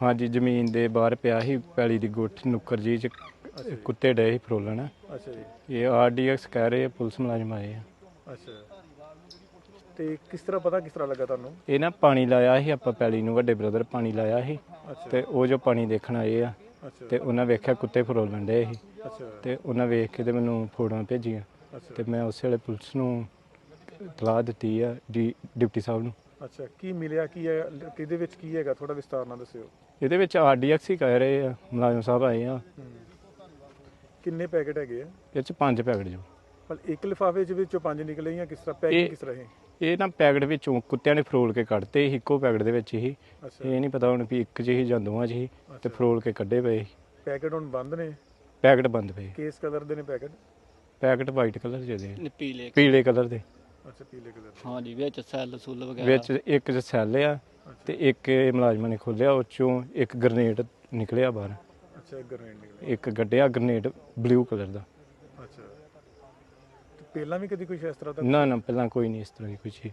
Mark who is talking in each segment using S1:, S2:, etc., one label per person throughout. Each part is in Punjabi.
S1: ਹਾਂਜੀ ਜ਼ਮੀਨ ਦੇ ਬਾਹਰ ਪਿਆ ਸੀ ਪੈਲੀ ਦੀ ਗੁੱਠ ਨੁੱਕਰ ਜੀ ਚ ਕੁੱਤੇ ਡਏ ਸੀ ਫਰੋਲਣ।
S2: ਅੱਛਾ ਜੀ।
S1: ਇਹ ਆਰਡੀਐਕਸ ਕਹਿ ਰਹੇ ਆ, ਪੁਲਿਸ ਮੁਲਾਜ਼ਮ ਆਏ ਆ।
S2: ਅੱਛਾ ਤੇ ਕਿਸ ਤਰ੍ਹਾਂ ਲੱਗਾ ਤੁਹਾਨੂੰ?
S1: ਇਹ ਨਾ ਪਾਣੀ ਲਾਇਆ ਸੀ ਆਪਾਂ ਪੈਲੀ ਨੂੰ, ਵੱਡੇ ਬ੍ਰਦਰ ਪਾਣੀ ਲਾਇਆ ਸੀ
S2: ਅੱਛਾ
S1: ਤੇ ਉਹ ਜੋ ਪਾਣੀ ਦੇਖਣ ਆਏ ਆ
S2: ਅੱਛਾ
S1: ਤੇ ਉਹਨਾਂ ਵੇਖਿਆ ਕੁੱਤੇ ਫਰੋਲਣ ਡਏ ਸੀ
S2: ਅੱਛਾ
S1: ਤੇ ਉਹਨਾਂ ਵੇਖ ਕੇ ਤੇ ਮੈਨੂੰ ਫੋਟੋਆਂ ਭੇਜੀਆਂ
S2: ਅੱਛਾ
S1: ਤੇ ਮੈਂ ਉਸੇ ਵੇਲੇ ਪੁਲਿਸ ਨੂੰ ਇਤਲਾਹ ਦਿੱਤੀ ਆ, ਡਿਪਟੀ ਸਾਹਿਬ ਨੂੰ।
S2: ਅੱਛਾ ਕੀ ਮਿਲਿਆ, ਕੀ ਹੈ, ਕਿਹਦੇ ਵਿੱਚ ਕੀ ਹੈਗਾ, ਥੋੜਾ ਵਿਸਤਾਰ ਨਾਲ ਦੱਸਿਓ।
S1: ਇਹਦੇ ਵਿੱਚ ਆਰਡੀਐਕਸ ਹੀ ਕਹਿ ਰਹੇ ਆ, ਮੁਲਾਜ਼ਮ ਸਾਹਿਬ ਆਏ ਆ।
S2: ਕਿੰਨੇ ਪੈਕੇਟ ਹੈਗੇ ਆ?
S1: ਇਹ ਚ 5 ਪੈਕਟ ਜੋ।
S2: ਪਰ ਇੱਕ ਲਿਫਾਫੇ ਵਿੱਚੋਂ 5 ਨਿਕਲੇ ਜਾਂ ਕਿਸ ਤਰ੍ਹਾਂ ਪੈਕਿੰਗ ਕਿਸ ਤਰ੍ਹਾਂ ਹੈ?
S1: ਇਹ ਨਾ ਪੈਕਟ ਵਿੱਚੋਂ ਕੁੱਤਿਆਂ ਨੇ ਫਰੋਲ ਕੇ ਕੱਢਤੇ ਸੀ, ਇੱਕੋ ਪੈਕਟ ਦੇ ਵਿੱਚ ਹੀ।
S2: ਅੱਛਾ
S1: ਇਹ ਨਹੀਂ ਪਤਾ ਹੁਣ ਵੀ ਇੱਕ 'ਚ ਹੀ ਜਾਂ ਦੋਵਾਂ 'ਚ ਹੀ ਤੇ ਫਰੋਲ ਕੇ ਕੱਢੇ ਪਏ ਸੀ।
S2: ਪੈਕੇਟ ਹੁਣ ਬੰਦ ਨੇ?
S1: ਪੈਕਟ ਬੰਦ ਪਏ।
S2: ਕਿਸ ਕਲਰ ਦੇ ਨੇ ਪੈਕੇਟ?
S1: ਪੈਕਟ ਵਾਈਟ ਕਲਰ ਦੇ,
S3: ਪੀਲੇ
S1: ਕਲਰ ਦੇ।
S2: ਅੱਛਾ ਪੀਲੇ ਕਲਰ ਦੇ।
S3: ਹਾਂਜੀ, ਵਿੱਚ ਸੈੱਲ ਸੁੱਲ ਵਗੈਰਾ
S1: ਵਿੱਚ ਇੱਕ 'ਚ ਸੈੱਲ ਆ ਤੇ ਇੱਕ ਇਹ ਮੁਲਾਜ਼ਮਾਂ ਨੇ ਖੋਲਿਆ, ਉਹ 'ਚੋਂ ਇੱਕ ਗ੍ਰਨੇਡ ਨਿਕਲਿਆ ਬਾਹਰ।
S2: ਅੱਛਾ ਇੱਕ ਗ੍ਰਨੇਡ ਨਿਕਲਿਆ।
S1: ਇੱਕ ਗੱਡਿਆ ਗ੍ਰਨੇਡ ਬਲੂ ਕਲਰ ਦਾ।
S2: ਅੱਛਾ ਤੇ ਪਹਿਲਾਂ ਵੀ ਕਦੀ ਕੁਝ ਇਸ ਤਰ੍ਹਾਂ ਦਾ?
S1: ਨਾ ਪਹਿਲਾਂ ਕੋਈ ਨਹੀਂ ਇਸ ਤਰ੍ਹਾਂ ਦੀ ਕੋਈ ਚੀਜ਼।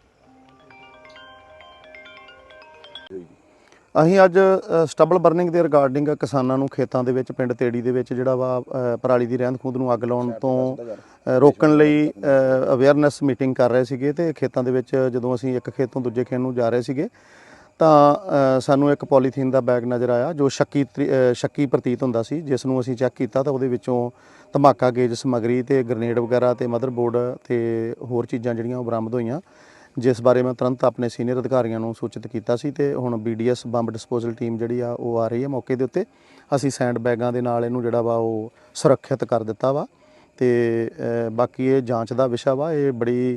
S4: ਅਸੀਂ ਅੱਜ ਸਟਬਲ ਬਰਨਿੰਗ ਦੇ ਰਿਗਾਰਡਿੰਗ ਕਿਸਾਨਾਂ ਨੂੰ ਖੇਤਾਂ ਦੇ ਵਿੱਚ ਪਿੰਡ ਤੇੜੀ ਦੇ ਵਿੱਚ ਜਿਹੜਾ ਵਾ ਪਰਾਲੀ ਦੀ ਰਹਿੰਦ ਖੂੰਹਦ ਨੂੰ ਅੱਗ ਲਾਉਣ ਤੋਂ ਰੋਕਣ ਲਈ ਅਵੇਅਰਨੈਸ ਮੀਟਿੰਗ ਕਰ ਰਹੇ ਸੀਗੇ ਤੇ ਖੇਤਾਂ ਦੇ ਵਿੱਚ ਜਦੋਂ ਅਸੀਂ ਇੱਕ ਖੇਤ ਤੋਂ ਦੂਜੇ ਖੇਤ ਨੂੰ ਜਾ ਰਹੇ ਸੀਗੇ ਤਾਂ ਸਾਨੂੰ ਇੱਕ ਪੋਲੀਥੀਨ ਦਾ ਬੈਗ ਨਜ਼ਰ ਆਇਆ ਜੋ ਸ਼ੱਕੀ ਪ੍ਰਤੀਤ ਹੁੰਦਾ ਸੀ, ਜਿਸ ਨੂੰ ਅਸੀਂ ਚੈੱਕ ਕੀਤਾ ਤਾਂ ਉਹਦੇ ਵਿੱਚੋਂ ਧਮਾਕਾ ਗੇਜ ਸਮੱਗਰੀ ਤੇ ਗ੍ਰਨੇਡ ਵਗੈਰਾ ਤੇ ਮਦਰਬੋਰਡ ਤੇ ਹੋਰ ਚੀਜ਼ਾਂ ਜਿਹੜੀਆਂ ਉਹ ਬਰਾਮਦ ਹੋਈਆਂ, ਜਿਸ ਬਾਰੇ ਮੈਂ ਤੁਰੰਤ ਆਪਣੇ ਸੀਨੀਅਰ ਅਧਿਕਾਰੀਆਂ ਨੂੰ ਸੂਚਿਤ ਕੀਤਾ ਸੀ ਤੇ ਹੁਣ BDS ਬੰਬ ਡਿਸਪੋਜ਼ਲ ਟੀਮ ਜਿਹੜੀ ਆ ਉਹ ਆ ਰਹੀ ਹੈ ਮੌਕੇ ਦੇ ਉੱਤੇ। ਅਸੀਂ ਸੈਂਡ ਬੈਗਾਂ ਦੇ ਨਾਲ ਇਹਨੂੰ ਜਿਹੜਾ ਵਾ ਉਹ ਸੁਰੱਖਿਅਤ ਕਰ ਦਿੱਤਾ ਵਾ ਤੇ ਬਾਕੀ ਇਹ ਜਾਂਚ ਦਾ ਵਿਸ਼ਾ ਵਾ। ਇਹ ਬੜੀ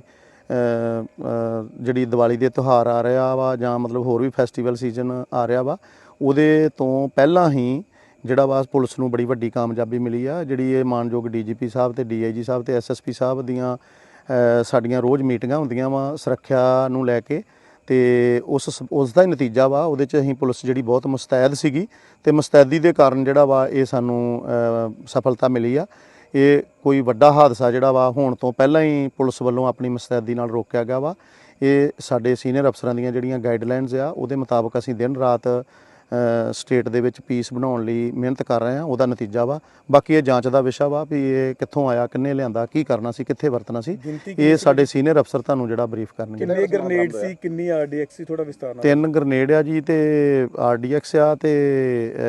S4: ਜਿਹੜੀ ਦੀਵਾਲੀ ਦੇ ਤਿਉਹਾਰ ਆ ਰਿਹਾ ਵਾ ਜਾਂ ਮਤਲਬ ਹੋਰ ਵੀ ਫੈਸਟੀਵਲ ਸੀਜ਼ਨ ਆ ਰਿਹਾ ਵਾ, ਉਹਦੇ ਤੋਂ ਪਹਿਲਾਂ ਹੀ ਜਿਹੜਾ ਵਾ ਪੁਲਿਸ ਨੂੰ ਬੜੀ ਵੱਡੀ ਕਾਮਯਾਬੀ ਮਿਲੀ ਆ। ਜਿਹੜੀ ਇਹ ਮਾਨਯੋਗ DGP ਸਾਹਿਬ ਤੇ DIG ਸਾਹਿਬ ਤੇ SSP ਸਾਹਿਬ ਦੀਆਂ ਸਾਡੀਆਂ ਰੋਜ਼ ਮੀਟਿੰਗਾਂ ਹੁੰਦੀਆਂ ਵਾ ਸੁਰੱਖਿਆ ਨੂੰ ਲੈ ਕੇ ਤੇ ਉਸ ਦਾ ਹੀ ਨਤੀਜਾ ਵਾ। ਉਹਦੇ 'ਚ ਅਸੀਂ ਪੁਲਿਸ ਜਿਹੜੀ ਬਹੁਤ ਮੁਸਤੈਦ ਸੀਗੀ ਤੇ ਮੁਸਤੈਦੀ ਦੇ ਕਾਰਨ ਜਿਹੜਾ ਵਾ ਇਹ ਸਾਨੂੰ ਸਫਲਤਾ ਮਿਲੀ ਆ। ਇਹ ਕੋਈ ਵੱਡਾ ਹਾਦਸਾ ਜਿਹੜਾ ਵਾ ਹੋਣ ਤੋਂ ਪਹਿਲਾਂ ਹੀ ਪੁਲਿਸ ਵੱਲੋਂ ਆਪਣੀ ਮੁਸਤੈਦੀ ਨਾਲ ਰੋਕਿਆ ਗਿਆ ਵਾ। ਇਹ ਸਾਡੇ ਸੀਨੀਅਰ ਅਫਸਰਾਂ ਦੀਆਂ ਜਿਹੜੀਆਂ ਗਾਈਡਲਾਈਨਸ ਆ ਉਹਦੇ ਮੁਤਾਬਕ ਅਸੀਂ ਦਿਨ ਰਾਤ ਸਟੇਟ ਦੇ ਵਿੱਚ ਪੀਸ ਬਣਾਉਣ ਲਈ ਮਿਹਨਤ ਕਰ ਰਹੇ ਹਾਂ, ਉਹਦਾ ਨਤੀਜਾ ਵਾ। ਬਾਕੀ ਇਹ ਜਾਂਚ ਦਾ ਵਿਸ਼ਾ ਵਾ ਵੀ ਇਹ ਕਿੱਥੋਂ ਆਇਆ, ਕਿੰਨੇ ਲਿਆਂਦਾ, ਕੀ ਕਰਨਾ ਸੀ, ਕਿੱਥੇ ਵਰਤਣਾ ਸੀ, ਇਹ ਸਾਡੇ ਸੀਨੀਅਰ ਅਫਸਰ ਤੁਹਾਨੂੰ ਜਿਹੜਾ ਬਰੀਫ ਕਰਨਗੇ।
S2: ਕਿੰਨੇ ਗ੍ਰਨੇਡ ਸੀ, ਕਿੰਨੀ RDX ਸੀ, ਥੋੜਾ ਵਿਸਤਾਰ ਨਾਲ?
S4: 3 ਗ੍ਰਨੇਡ ਆ ਜੀ ਤੇ RDX ਆ ਤੇ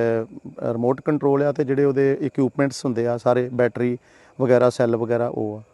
S4: ਰਿਮੋਟ ਕੰਟਰੋਲ ਆ ਤੇ ਜਿਹੜੇ ਉਹਦੇ ਇਕਵਿਪਮੈਂਟਸ ਹੁੰਦੇ ਆ ਸਾਰੇ ਬੈਟਰੀ ਵਗੈਰਾ ਸੈੱਲ ਵਗੈਰਾ ਉਹ ਆ।